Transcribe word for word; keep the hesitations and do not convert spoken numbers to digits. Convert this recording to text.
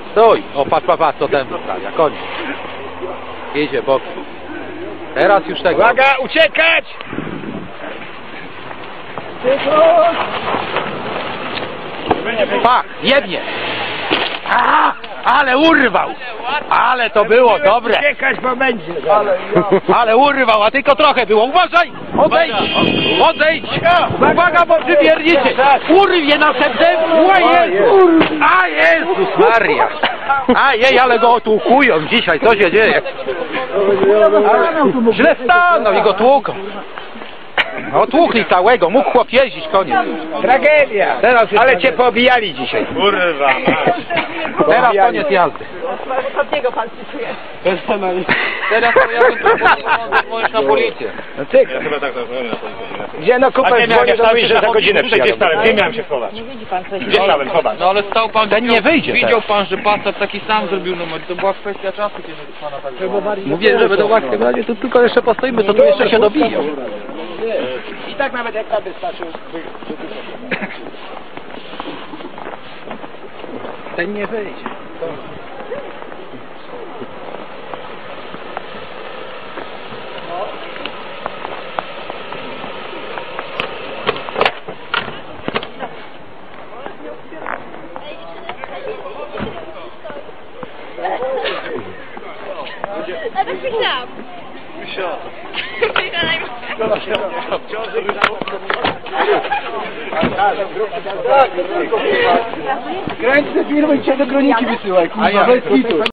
Stój! O, patrz, patrz, patrz, co ten wystawia, koniec. Jedzie bokiem. Teraz już tego. Uwaga, uciekać! Pach, jebnie! A, ale urwał! Ale to było dobre! Uciekać, bo będzie. Ale urwał, a tylko trochę było. Uważaj! Odejdź! Odejdź! Uwaga, bo przywiernicie! Urwie następnym! O Jezus! A Jezus Maria! A jej, ale go otłukują dzisiaj, co się dzieje? Źle stanął i go tłuką. Otłukli całego, mógł chłop jeździć, koniec. Tragedia! Teraz już Ale koniec. cię pobijali dzisiaj. Kurwa, Teraz koniec jazdy. Ostatniego pan cytuje. Teraz to ja bym proponował dzwonić na policję. No ty, Chyba tak, to gdzie no kupę dzwonię, to mówisz, że za godzinę Gdzie przyjadą. stałem? Gdzie miałem się schować? Nie widzi pan coś. Gdzie stałem? Chować. No ale stał pan, Ten nie wyjdzie widział teraz. pan, że Passat taki sam zrobił numer, to była kwestia czasu, kiedy pana tak było. Mówię, że będą łatwe. To tylko jeszcze postoimy, to tu jeszcze się dobiją. I tak nawet jak tam wystarczy. Ten nie wyjdzie. A tak myślałam. Kręć te firmy i cię do kroniki wysyłaj, kurwa, bez kitu.